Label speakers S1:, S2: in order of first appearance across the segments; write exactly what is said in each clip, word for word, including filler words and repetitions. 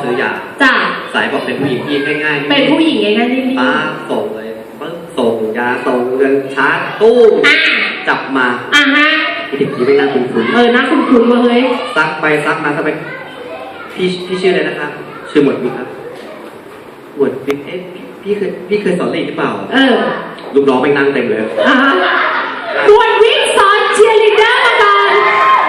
S1: ซื้อยาจ้าสายบอกเป็นผู้หญิงที่ง่ายๆเป็นผู้หญิงง่ายๆนี่ป้าส่งเลยปึ๊บส่งยาส่งเงินชาร์จตู้จับมาอ่ะฮะเด็กนี้ไม่น่าคุ้นคุ้นเออน่าคุ้นคุ้นมาเฮ้ยซักไปซักมาซักไปพี่พี่ชื่ออะไรนะครับชื่อหมวดวิกครับหมวดวิกเอ๊ะพี่เคยพี่เคยสอนลีดหรือเปล่าเออลูกน้องไปนั่งเต็มเลยอ่ะหมวดวิกสอนเชียร์ลีดเดอร์มาก่อน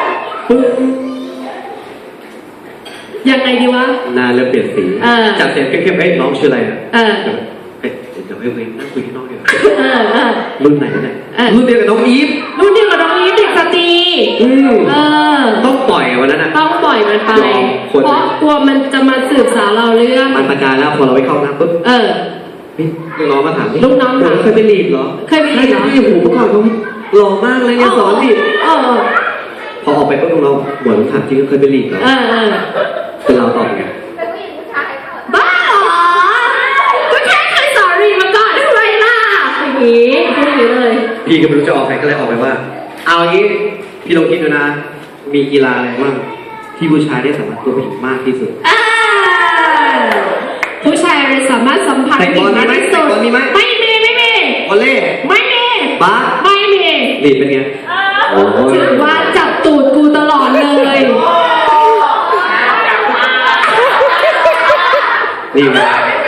S1: ยังไงดีวะหน้าเริ่มเปลี่ยนสีจากเสียงเข้มๆเอ้ยน้องชื่ออะไรอ่ะเออเดี๋ยวให้เว้ยนั่งคุยที่น้องเดียวรุ่นไหนเนี่ยรุ่นเดียวกับน้องอีฟรุ่นเดียวกับน้องอีฟเด็กสตรีเออต้องปล่อยวันนั้นอ่ะต้องปล่อยมันไปเพราะกลัวมันจะมาสืบสาวเราเรื่องมันประการแล้วพอเราไปเข้าน้ำปุ๊บเออลูกน้องมาถามลูกน้องถามเคยไปลีดเหรอเคยไปลีดเหรอที่หูเมื่อก่อนเขาหล่อมากเลยเนี่ยสอนลีดพอออกไปปุ๊บลูกน้องเหมือนถามจริงเคยไปลีดเหรอเป็นเราตอบไงบ้าเหรอก็แค่เคยสอนลีดมาก่อนทำไมล่ะอย่างนี้พูดอย่างนี้เลยพี่ก็ไม่รู้จะออกใครก็เลยออกไปว่าเอางี้พี่ลองคิดดูนะมีกีฬาอะไรบ้างที่ผู้ชายได้สัมผัสตัวผู้หญิงมากที่สุดผู้ชายสามารถสัมผัสผู้หญิงมากที่สุดไม่มีไม่มีวอลเล่ไม่มีบาสไม่มีลีดเป็นไงถือว่าจับตูดกูตลอดเลยนี่นะ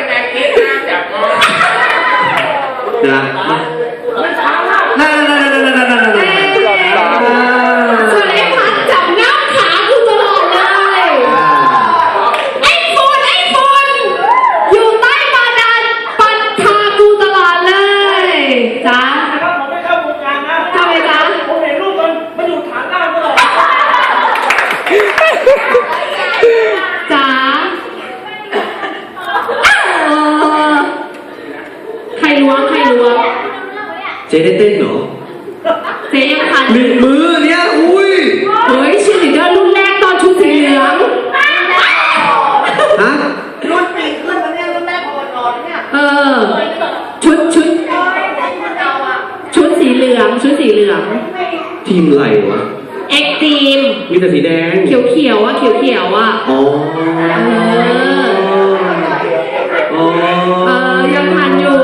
S1: นะนั่นนั่นนั่นนั่นนั่นนั่นส่วนไอ้พัดจับหน้าขากูตลอดเลยไอ้คนไอ้คนอยู่ใต้บาดาลปัดขากูตลอดเลยจ้าผมไม่เข้าวงการนะทำไมจ้าผมเห็นรูปมันมันอยู่ฐานล่างตลอดจ้าใครล้วงใครล้วงเจ๊ได้เต้นเหรอเจ๊ยังทันหนึ่งมือเนี่ยอุ้ยเฮ้ยชีลีดเดอร์รุ่นแรกตอนชุดสีเหลืองฮะรุ่นปีขึ้นมาเนี่ยรุ่นแรกพอนอนเนี่ยเออชุดชุดชุดสีเหลืองชุดสีเหลืองทีมอะไรวะเอ็กทีมมีแต่สีแดงเขียวเขียวอ่ะเขียวเขียวอ่ะอ๋อเออยังทันอยู่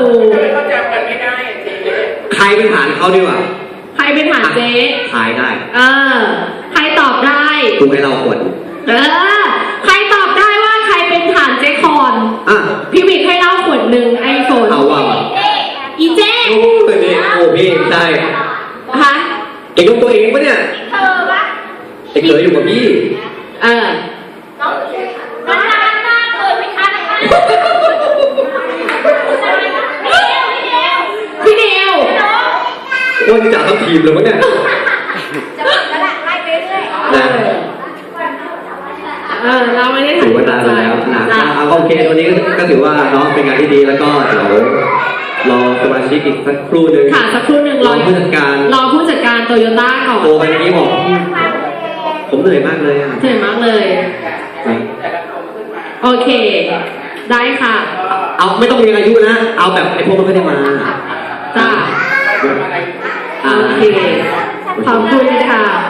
S1: ใครเป็นฐานเขาดีกว่าใครเป็นฐานเจ๊ทายได้เออใครตอบได้คุณให้เราขวดเออใครตอบได้ว่าใครเป็นฐานเจ๊คอนอ่ะพี่วิกให้เล่าขวดหนึ่งไอโฟนเอาว่าอีเจ๊โอ้ยนี่โอ้พี่ใช่ฮะเก่งกับตัวเองปะเนี่ยเธอปะเด็กเคยอยู่กับพี่เออน้องน้องน้ำหน้าเคยไม่ทันนะคะพี่เดียวโอ้ยจ่าทั้งทีมเลยวะเนี่ยจะบอกกระดาษไล่ไปเรื่อยนะเออเราไม่ได้ถือว่าตายไปแล้วนะเอาโอเคตัวนี้ก็ถือว่าน้องเป็นงานที่ดีแล้วก็เดี๋ยวรอสมาชิกอีกสักครู่หนึ่งค่ะสักครู่หนึ่งรอผู้จัดการรอผู้จัดการโตโยต้าก่อนโตไปนี้บอกผมเหนื่อยมากเลยอ่ะเหนื่อยมากเลยโอเคได้ค่ะเอาไม่ต้องมีอายุนะเอาแบบไอ้พวกมันไม่ได้มาจ้าโอเคขอบคุณค่ะ